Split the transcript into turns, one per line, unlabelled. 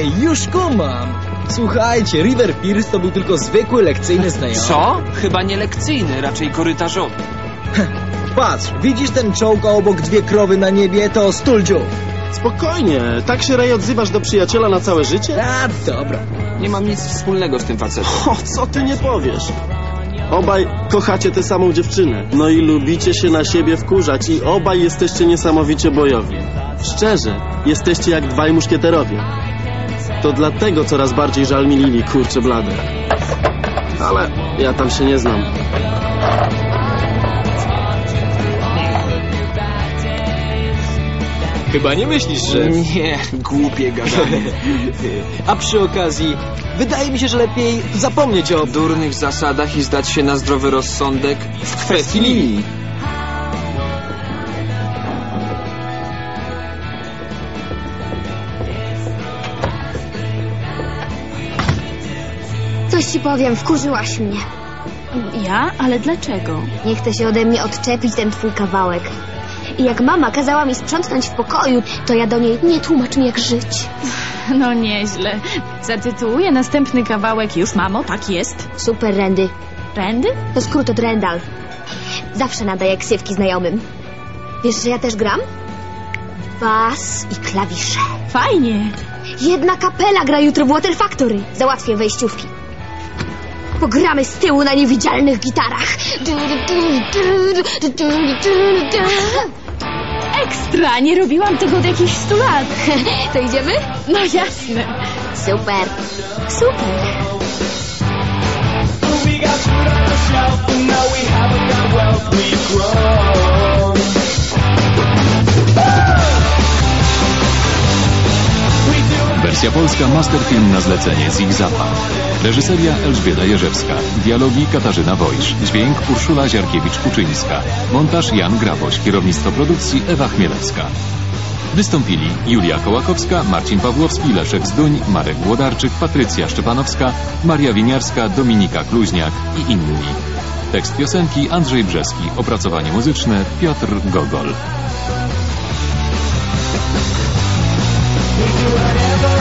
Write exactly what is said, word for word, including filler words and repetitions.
już kumam. Słuchajcie, River Pierce to był tylko zwykły lekcyjny znajomy.
Co? Chyba nie lekcyjny, raczej korytarzowy.
Patrz, widzisz ten czołg, a obok dwie krowy na niebie? To Stuldziu.
Spokojnie, tak się, Ray, odzywasz do przyjaciela na całe życie?
A, dobra.
Nie mam nic wspólnego z tym facetem.
O, co ty nie powiesz? Obaj kochacie tę samą dziewczynę. No i lubicie się na siebie wkurzać i obaj jesteście niesamowicie bojowi. Szczerze, jesteście jak dwaj muszkieterowie. To dlatego coraz bardziej żal mi Lili, kurczę blade. Ale ja tam się nie znam.
Chyba nie myślisz, że...
Nie, głupie gadanie.
A przy okazji, wydaje mi się, że lepiej zapomnieć o...
Durnych zasadach i zdać się na zdrowy rozsądek w kwestii Lili.
Coś ci powiem, wkurzyłaś mnie.
Ja? Ale dlaczego?
Nie chce się ode mnie odczepić ten twój kawałek. I jak mama kazała mi sprzątnąć w pokoju, to ja do niej: nie tłumacz mi, jak żyć.
No nieźle. Zatytułuję następny kawałek: już, mamo, tak jest.
Super, Randy.
Randy?
To skrót od Randall. Zawsze nadaję ksywki znajomym. Wiesz, że ja też gram? Bas i klawisze.
Fajnie.
Jedna kapela gra jutro w Water Factory. Załatwię wejściówki. Pogramy z tyłu na niewidzialnych gitarach.
Ekstra! Nie robiłam tego od jakichś stu lat.
To idziemy?
No jasne.
Super. Super.
Wersja polska Masterfilm na zlecenie Zig Zapa. Reżyseria Elżbieta Jerzewska. Dialogi Katarzyna Wojsz. Dźwięk Urszula Ziarkiewicz-Kuczyńska. Montaż Jan Graboś. Kierownictwo produkcji Ewa Chmielewska. Wystąpili Julia Kołakowska, Marcin Pawłowski, Leszek Zduń, Marek Włodarczyk, Patrycja Szczepanowska, Maria Winiarska, Dominika Kluźniak i inni. Tekst piosenki Andrzej Brzeski. Opracowanie muzyczne Piotr Gogol.
Whatever